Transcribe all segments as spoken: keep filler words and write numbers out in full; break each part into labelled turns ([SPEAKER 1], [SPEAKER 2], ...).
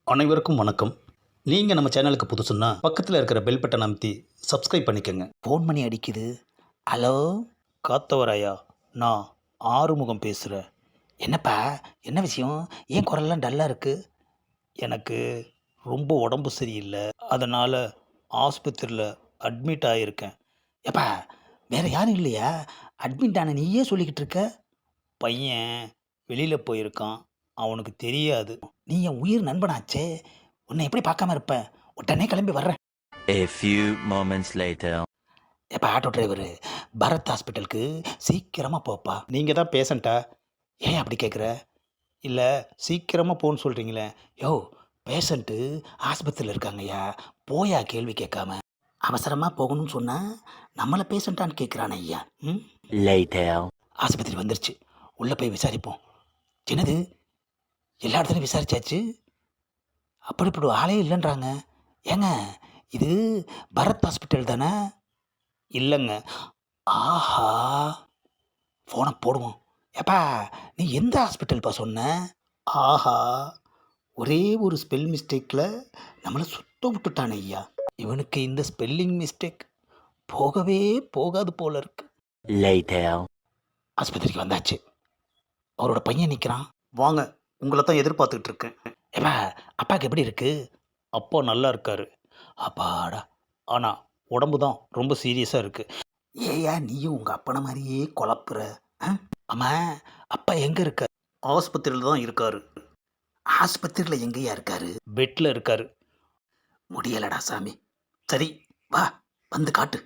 [SPEAKER 1] அனைவருக்கும் வணக்கம். நீங்கள் நம்ம சேனலுக்கு புதுசுன்னா பக்கத்தில் இருக்கிற பெல் பட்டன் அமைத்தி சப்ஸ்கிரைப் பண்ணிக்கோங்க. ஃபோன் பண்ணி அடிக்குது. ஹலோ, காத்தவராயா, நான் ஆறுமுகம் பேசுகிறேன். என்னப்பா, என்ன விஷயம்? ஏன் குரல்லாம் டல்லாக இருக்குது? எனக்கு ரொம்ப உடம்பு சரியில்லை, அதனால் ஆஸ்பத்திரியில் அட்மிட் ஆகியிருக்கேன். ஏப்பா, வேறு யாரும் இல்லையா? அட்மிட் ஆன நீயே சொல்லிக்கிட்டு இருக்க. பையன் வெளியில் போயிருக்கான், அவனுக்கு தெரியாது. நீ என் உயிர் நண்பனாச்சே, உன்னை எப்படி பார்க்காம இருப்பேன்? உடனே கிளம்பி வர்றேன்.
[SPEAKER 2] A few moments later.
[SPEAKER 1] எப்போ ஆட்டோ டிரைவரு, பரத் ஹாஸ்பிட்டலுக்கு சீக்கிரமாக போப்பா. நீங்கள் தான் பேஷண்ட்டா? ஏன் அப்படி கேட்குற? இல்லை, சீக்கிரமாக போன்னு சொல்கிறீங்களே. யோ, பேஷண்ட்டு ஆஸ்பத்திரியில் இருக்காங்கய்யா, போயா கேள்வி கேட்காம. அவசரமாக போகணும்னு சொன்னால் நம்மளை பேஷண்ட்டான்னு கேட்குறானே ஐயா. ம்
[SPEAKER 2] Later.
[SPEAKER 1] ஆஸ்பத்திரி வந்துருச்சு, உள்ளே போய் விசாரிப்போம். என்னது, எல்லா இடத்துலையும் விசாரிச்சாச்சு, அப்படி இப்படி ஆளே இல்லைன்றாங்க. ஏங்க, இது பரத் ஹாஸ்பிட்டல் தானே? இல்லைங்க. ஆஹா, ஃபோனை போடுவோம். ஏப்பா, நீ எந்த ஹாஸ்பிட்டல்ப்பா சொன்ன? ஆஹா, ஒரே ஒரு ஸ்பெல் மிஸ்டேக்கில் நம்மளை சுத்த விட்டுட்டானே ஐயா. இவனுக்கு இந்த ஸ்பெல்லிங் மிஸ்டேக் போகவே போகாது போல இருக்கு.
[SPEAKER 2] Later.
[SPEAKER 1] ஆஸ்பத்திரிக்கு வந்தாச்சு, அவரோட பையன் நிற்கிறான். வாங்க, உங்களை தான் எதிர்பார்த்துக்கிட்டு இருக்கேன். ஏப்பா, அப்பாவுக்கு எப்படி இருக்கு? அப்பா நல்லா இருக்காரு. அப்பாடா, ஆனால் உடம்பு தான் ரொம்ப சீரியஸாக இருக்கு. ஏயா நீயும் உங்கள் அப்பனை மாதிரியே குழப்புற? ஆமா, அப்பா எங்கே இருக்கார்? ஆஸ்பத்திரியில் தான் இருக்காரு. ஆஸ்பத்திரியில் எங்கேயா இருக்காரு? பெட்டில் இருக்காரு. முடியலடா சாமி. சரி, வா, வந்து காட்டு.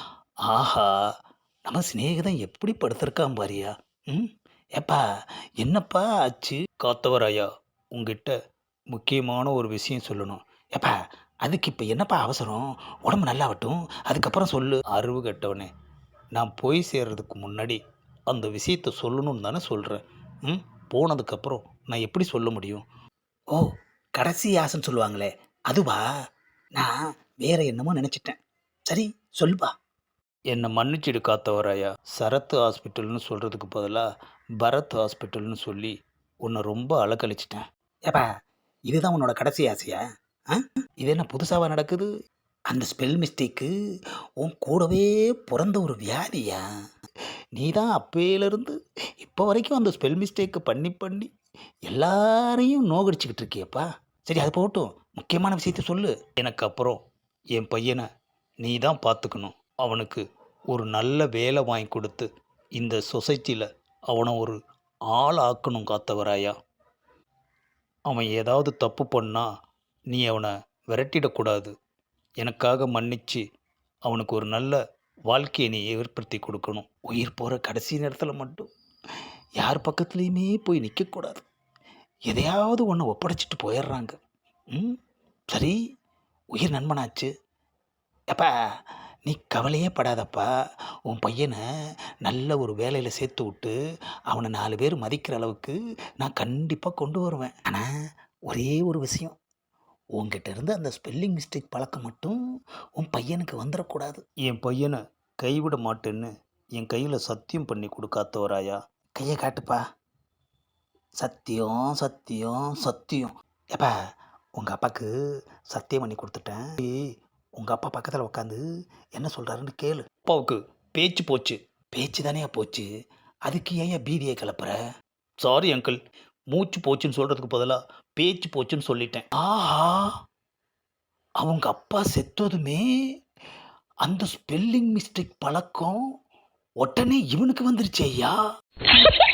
[SPEAKER 1] ஆஹா, நம்ம சிநேகிதன் எப்படி படுத்திருக்கான் பாரியா. ம் ஏப்பா, என்னப்பா ஆச்சு? காத்தவராயா, உங்ககிட்ட முக்கியமான ஒரு விஷயம் சொல்லணும். ஏப்பா, அதுக்கு இப்போ என்னப்பா அவசரம்? உடம்பு நல்லாவட்டும், அதுக்கப்புறம் சொல்லு. அறிவு கட்டவனே, நான் போய் சேர்றதுக்கு முன்னாடி அந்த விஷயத்தை சொல்லணும்னு தானே சொல்கிறேன். ம் போனதுக்கப்புறம் நான் எப்படி சொல்ல முடியும்? ஓ, கடைசி ஆசைன்னு சொல்லுவாங்களே, அதுவா? நான் வேற என்னமோ நினச்சிட்டேன். சரி, சொல்லுப்பா. என்னை மன்னிச்சிடு காத்தவராயா, சரத் ஹாஸ்பிட்டல்னு சொல்கிறதுக்கு பதிலாக பரத் ஹாஸ்பிட்டல்னு சொல்லி உன்னை ரொம்ப அலக்கழிச்சிட்டேன். ஏப்பா, இதுதான் உன்னோட கடைசி ஆசையா? ஆ இது என்ன புதுசாக நடக்குது? அந்த ஸ்பெல் மிஸ்டேக்கு உன் கூடவே பிறந்த ஒரு வியாதியா? நீ தான் அப்பையிலேருந்து இப்போ வரைக்கும் அந்த ஸ்பெல் மிஸ்டேக்கை பண்ணி பண்ணி எல்லாரையும் நோகடிச்சிக்கிட்டு இருக்கியப்பா. சரி, அது போகட்டும், முக்கியமான விஷயத்த சொல்லு. எனக்கு அப்புறம் என் பையனை நீ தான் பார்த்துக்கணும். அவனுக்கு ஒரு நல்ல வேலை வாங்கி கொடுத்து இந்த சொசைட்டியில் அவனை ஒரு ஆள் ஆக்கணும் காத்தவராயா. அவன் ஏதாவது தப்பு பண்ணால் நீ அவனை விரட்டிடக்கூடாது. எனக்காக மன்னிச்சு அவனுக்கு ஒரு நல்ல வாழ்க்கையை நீ ஏற்படுத்தி கொடுக்கணும். உயிர் போகிற கடைசி நேரத்தில் மட்டும் யார் பக்கத்துலேயுமே போய் நிற்கக்கூடாது. எதையாவது ஒன்று ஒப்படைச்சிட்டு போயிடுறாங்க. ம் சரி, உயிர் நண்பனாச்சு. அப்பா, நீ கவலையே படாதப்பா. உன் பையனை நல்ல ஒரு வேலையில் சேர்த்து விட்டு அவனை நாலு பேர் மதிக்கிற அளவுக்கு நான் கண்டிப்பாக கொண்டு வருவேன். ஆனால் ஒரே ஒரு விஷயம், உங்ககிட்ட இருந்து அந்த ஸ்பெல்லிங் மிஸ்டேக் பழக்கம் மட்டும் உன் பையனுக்கு வந்துடக்கூடாது. என் பையனை கைவிட மாட்டேன்னு என் கையில் சத்தியம் பண்ணி கொடுக்காத்தவராயா. கையை காட்டுப்பா. சத்தியம், சத்தியம், சத்தியம். ஏப்பா, உங்கள் அப்பாவுக்கு சத்தியம் பண்ணி கொடுத்துட்டேன். உங்கள் அப்பா பக்கத்தில் உட்காந்து என்ன சொல்கிறாருன்னு கேளு. அப்பாவுக்கு பேச்சு போச்சு. பேச்சு தானே போச்சு, அதுக்கு ஏன் பீதியை கிளப்புற? சாரி அங்கிள், மூச்சு போச்சுன்னு சொல்கிறதுக்கு பதிலாக பேச்சு போச்சுன்னு சொல்லிட்டேன். ஆஹா, அவங்க அப்பா செத்ததுமே அந்த ஸ்பெல்லிங் மிஸ்டேக் பழக்கம் உடனே இவனுக்கு வந்துருச்சு ஐயா.